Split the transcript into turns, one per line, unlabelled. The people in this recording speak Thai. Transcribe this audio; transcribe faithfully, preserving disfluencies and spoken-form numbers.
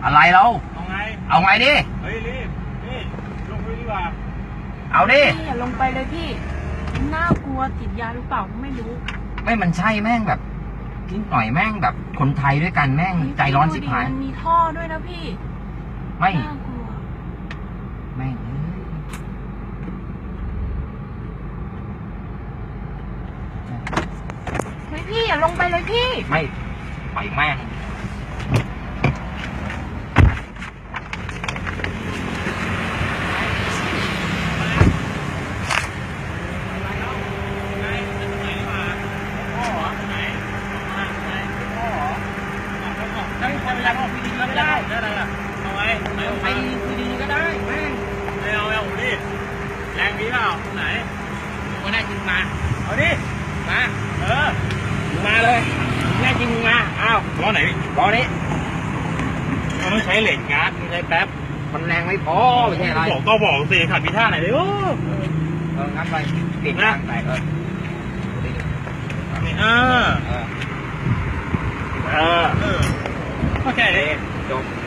อะไรเรา
เอาไง
เอาไงดิ
เฮ้ยรีบนี่ลงไปดีกว่า
เอาดิ
พี่อย่าลงไปเลยพี่น่ากลัวติดยาหรือเปล่าไม่รู้
ไม่มันใช่แม่งแบบนิดหน่อยแม่งแบบคนไทยด้วยกันแม่งใจร้อนสิบหาย
มันมีท่อด้วยนะพี่
ไม่
น่ากลัว
แม่ง
เฮ้ยพี่อย่าลงไปเลยพี่
ไม่ไปแม่ง
ได้ได้ได้เอาไว้เอาไปคุยดีก็ได้แม่ไม่เอาไม่เอาดิแรงดีเปล่าไหนก็ได้จริงมาเอาดิมาเออมาเลยแน่จริงมาอ้าวล้อไหนล้อนี้มันต้องใช้เหล็กงัดไม่ใช้แป๊บ
มันแรงไม่พอไม่ใช่อะไร
บอกก็บอกสิขัดพิท่าไหนเลยโอ้
เอองั้นไปติดนะไปเออ
นี่เออเออเออโอเคจบ